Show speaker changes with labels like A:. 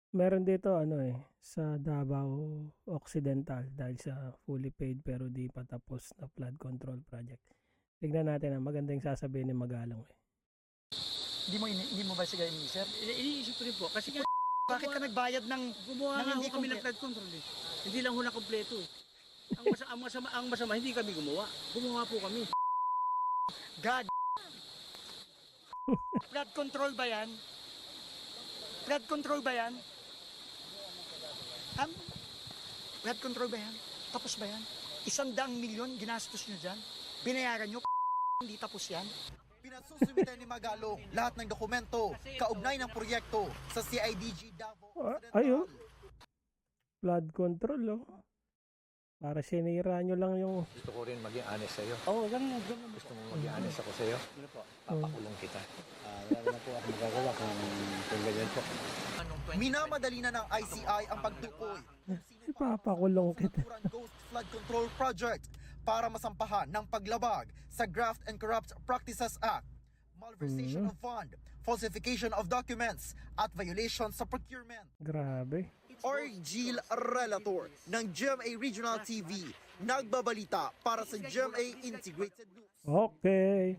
A: Meron dito ano sa Davao Occidental dahil sa fully paid pero di pa tapos na flood control project. Tignan natin maganda yung sasabihin ni Magalong
B: Hindi mo ba siya iniisip?
C: Iniisip ko rin po kasi nga
B: Bakit ka nagbayad ng
C: gumawa nga
B: hindi
C: ho kami ng
B: kompleto?
C: flood control eh. Hindi lang ho na kompleto eh. Ang masama hindi kami gumawa. Gumawa po kami.
B: God. Flood control ba yan? Flood control ba yan? Flood control ba yan? Tapos ba yan? 100 milyon ginastos nyo dyan? Binayaran nyo? Hindi tapos yan?
D: Pinasusumitan ni Magalong lahat ng dokumento kaugnay ng proyekto sa CIDG Davao
A: Ayun.
D: Occidental.
A: Flood control Para sinira nyo lang yung
E: Gusto ko rin maging honest sa'yo.
C: Oo, ganun.
E: Gusto mo maging honest ako sa'yo?
C: Ano po?
E: Papakulong kita.
C: Wala na po ako magagawa kung ganyan po.
D: Minamadali na ng ICI ang pagtukoy
A: ipapakulong kita.
D: sa Ghost Flood Control Project para masampahan ng paglabag sa Graft and Corrupt Practices Act, malversation of fund, falsification of documents, at violation sa procurement.
A: Grabe.
D: Orgil Relator ng GMA Regional TV, nagbabalita para sa GMA Integrated News.
A: Okay.